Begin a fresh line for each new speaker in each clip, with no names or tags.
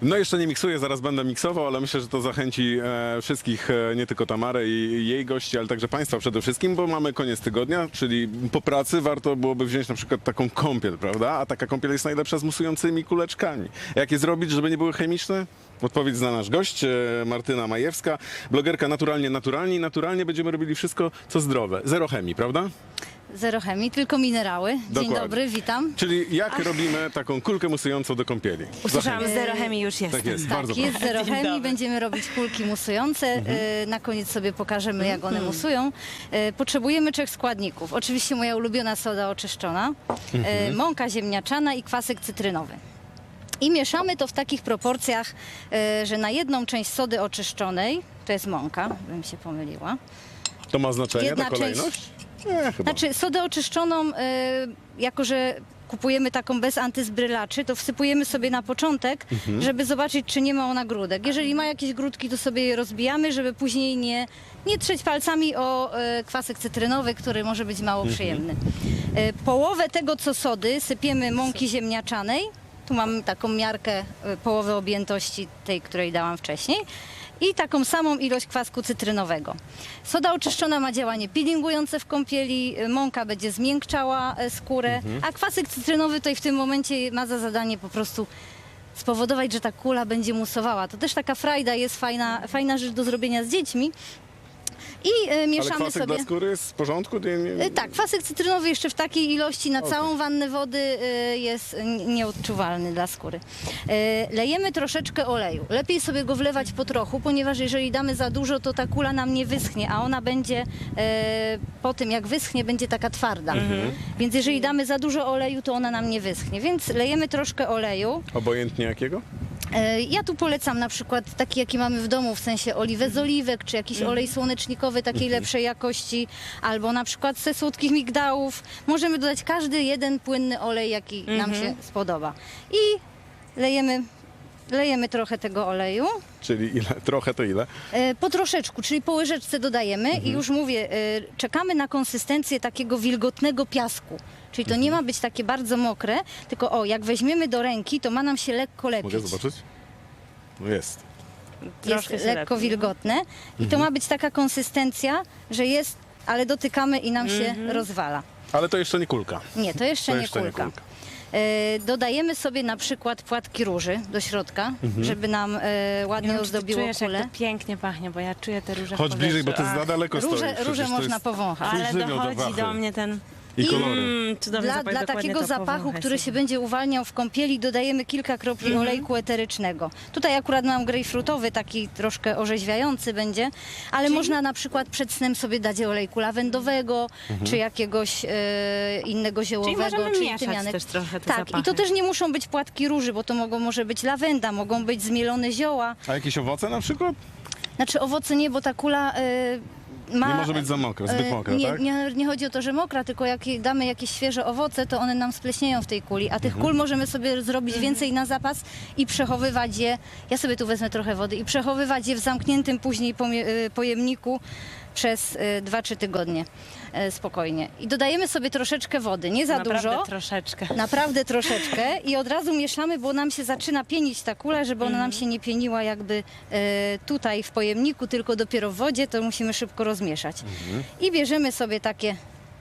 No jeszcze nie miksuję, zaraz będę miksował, ale myślę, że to zachęci wszystkich, nie tylko Tamarę i jej gości, ale także Państwa przede wszystkim, bo mamy koniec tygodnia, czyli po pracy warto byłoby wziąć na przykład taką kąpiel, prawda? A taka kąpiel jest najlepsza z musującymi kuleczkami. Jak je zrobić, żeby nie były chemiczne? Odpowiedź zna nasz gość, Martyna Majewska, blogerka Naturalnie będziemy robili wszystko, co zdrowe. Zero chemii, prawda?
Zero chemii, tylko minerały. Dzień
Dokładnie.
dobry, witam.
Czyli jak robimy taką kulkę musującą do kąpieli?
Usłyszałam, zero chemii już jest.
Tak jest,
Tak,
bardzo
jest
proszę.
zero
Dzień
chemii,
dobry.
będziemy robić kulki musujące. Na koniec sobie pokażemy, jak one musują. Potrzebujemy 3 składników. Oczywiście moja ulubiona soda oczyszczona, mąka ziemniaczana i kwasek cytrynowy. I mieszamy to w takich proporcjach, że na jedną część sody oczyszczonej, to jest mąka, bym się pomyliła.
To ma znaczenie,
Jedna
ta kolejność? Nie, chyba.
Znaczy sodę oczyszczoną, jako że kupujemy taką bez antyzbrylaczy, to wsypujemy sobie na początek, żeby zobaczyć, czy nie ma ona grudek. Jeżeli ma jakieś grudki, to sobie je rozbijamy, żeby później nie trzeć palcami o kwasek cytrynowy, który może być mało przyjemny. Połowę tego, co sody, sypiemy mąki ziemniaczanej. Tu mam taką miarkę połowy objętości tej, której dałam wcześniej. I taką samą ilość kwasku cytrynowego. Soda oczyszczona ma działanie peelingujące w kąpieli, mąka będzie zmiękczała skórę, a kwasek cytrynowy tutaj w tym momencie ma za zadanie po prostu spowodować, że ta kula będzie musowała. To też taka frajda jest, fajna rzecz do zrobienia z dziećmi. I
Ale
mieszamy
kwasek
sobie...
dla skóry jest w porządku?
Tak, kwasek cytrynowy jeszcze w takiej ilości na całą wannę wody jest nieodczuwalny dla skóry. Lejemy troszeczkę oleju. Lepiej sobie go wlewać po trochu, ponieważ jeżeli damy za dużo, to ta kula nam nie wyschnie, a ona będzie po tym, jak wyschnie, będzie taka twarda. Więc jeżeli damy za dużo oleju, to ona nam nie wyschnie. Więc lejemy troszkę oleju.
Obojętnie jakiego?
Ja tu polecam na przykład taki, jaki mamy w domu, w sensie oliwę z oliwek, czy jakiś olej słonecznikowy takiej lepszej jakości, albo na przykład ze słodkich migdałów. Możemy dodać każdy jeden płynny olej, jaki nam się spodoba. I lejemy trochę tego oleju.
Czyli ile? Trochę to ile?
Po troszeczku, czyli po łyżeczce dodajemy i już mówię, czekamy na konsystencję takiego wilgotnego piasku. Czyli to nie ma być takie bardzo mokre, tylko jak weźmiemy do ręki, to ma nam się lekko lepić.
Mogę zobaczyć? No jest.
Jest
Troszkę się
lekko
lepi.
wilgotne i to ma być taka konsystencja, że jest, ale dotykamy i nam się rozwala.
Ale to jeszcze nie kulka.
Nie, to jeszcze nie kulka. Dodajemy sobie na przykład płatki róży do środka, żeby nam ładnie ozdobiło
Czujesz, jak
kulę.
to pięknie pachnie, bo ja czuję te róże w
Chodź bliżej, bo to
powietrzu.
jest za daleko stoi.
Róże
Przecież to
można
jest
powąchać.
twój
Ale
żywioł do
dochodzi
wachy.
do mnie ten...
I kolory.
Cudowny zapach,
Dla
dokładnie
takiego
to
zapachu,
powąchaj
który
sobie.
się będzie uwalniał w kąpieli, dodajemy kilka kropli olejku eterycznego. Tutaj akurat mam grejpfrutowy, taki troszkę orzeźwiający będzie, ale można na przykład przed snem sobie dać olejku lawendowego, czy jakiegoś innego ziołowego,
możemy
czy
mieszać
tymianek.
też trochę te
Tak,
zapachy.
i to też nie muszą być płatki róży, bo to może być lawenda, mogą być zmielone zioła.
A jakieś owoce na przykład?
Znaczy owoce nie, bo ta kula... ma,
Nie może być za mokra, zbyt mokra,
nie,
tak?
nie chodzi o to, że mokra, tylko jak damy jakieś świeże owoce, to one nam spleśnieją w tej kuli, a tych kul możemy sobie zrobić więcej na zapas i przechowywać je, ja sobie tu wezmę trochę wody, i przechowywać je w zamkniętym później pojemniku przez 2-3 tygodnie spokojnie. I dodajemy sobie troszeczkę wody, nie za
Naprawdę
dużo.
troszeczkę.
Naprawdę troszeczkę i od razu mieszamy, bo nam się zaczyna pienić ta kula, żeby ona nam się nie pieniła jakby tutaj w pojemniku, tylko dopiero w wodzie, to musimy szybko rozmieszać. I bierzemy sobie takie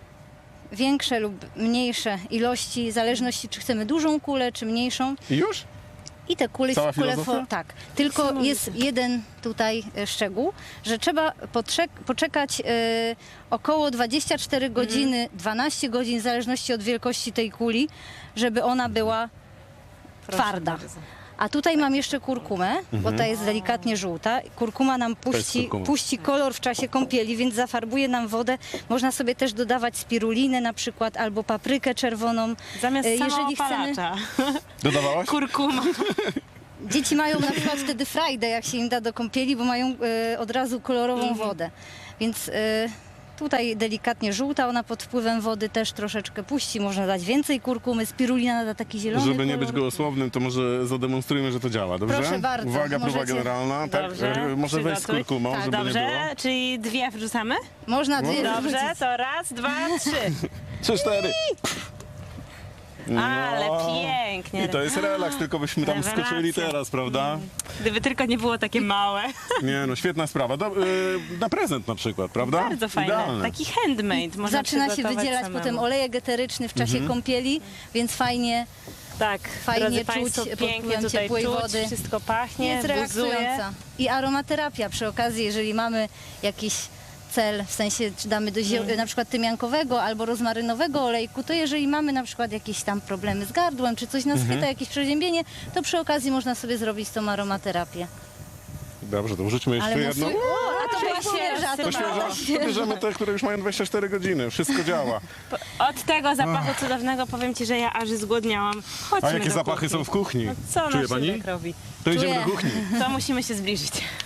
większe lub mniejsze ilości, w zależności czy chcemy dużą kulę, czy mniejszą.
I już?
I te kule,
Cała filozofia?
tak. Tylko jest jeden tutaj szczegół, że trzeba poczekać około 24 godziny, 12 godzin, w zależności od wielkości tej kuli, żeby ona była
Proszę
twarda.
bardzo.
A tutaj mam jeszcze kurkumę, bo ta jest delikatnie żółta. Kurkuma nam
jest kurkuma.
puści kolor w czasie kąpieli, więc zafarbuje nam wodę. Można sobie też dodawać spirulinę na przykład, albo paprykę czerwoną.
Zamiast
Jeżeli chcemy,
samoopalacza.
Dodawałaś?
Kurkuma.
dzieci mają na przykład wtedy frajdę, jak się im da do kąpieli, bo mają od razu kolorową wodę. Więc tutaj delikatnie żółta, ona pod wpływem wody też troszeczkę puści. Można dać więcej kurkumy, spirulina nada taki zielony
Żeby nie
kolor.
być gołosłownym, to może zademonstrujmy, że to działa, dobrze?
Proszę bardzo,
Uwaga, próba
możecie.
generalna.
Dobrze,
Tak, może wejść z
przygotuj.
kurkumą,
Tak,
żeby nie
Dobrze,
było.
czyli 2 wrzucamy?
Można dwie
Dobrze,
wrzucić.
to raz, 2, 3.
3, 4.
Ale
No.
pięknie.
I to jest relaks, tylko byśmy tam
Rewelacja.
skoczyli teraz, prawda?
Gdyby tylko nie było takie małe.
Nie no, świetna sprawa. Na prezent na przykład, prawda?
Bardzo fajne.
Idealne.
Taki handmade. Można
Zaczyna się
przygotować
wydzielać
samemu.
potem olejek eteryczny w czasie kąpieli, więc fajnie
Tak,
Fajnie
drodzy
czuć
Państwo,
pod
pięknie
wpływem
tutaj
ciepłej
czuć,
wody.
wszystko pachnie,
jest
buzuje.
relaksująca. I aromaterapia przy okazji, jeżeli mamy jakiś cel, w sensie czy damy do na przykład tymiankowego albo rozmarynowego olejku, to jeżeli mamy na przykład jakieś tam problemy z gardłem, czy coś nas chwyta, jakieś przeziębienie, to przy okazji można sobie zrobić tą aromaterapię.
Dobrze, to wrzućmy jeszcze jedną.
A to była świeża,
To świeża, to bierzemy te, które już mają 24 godziny. Wszystko działa.
Od tego zapachu cudownego powiem Ci, że ja aż zgłodniałam. Chodźmy
A jakie
do
zapachy
kuchni.
są w kuchni?
No, co
Czuje
nasz
pani?
Sylwek robi?
To idziemy
Czuję.
do kuchni.
To musimy się zbliżyć.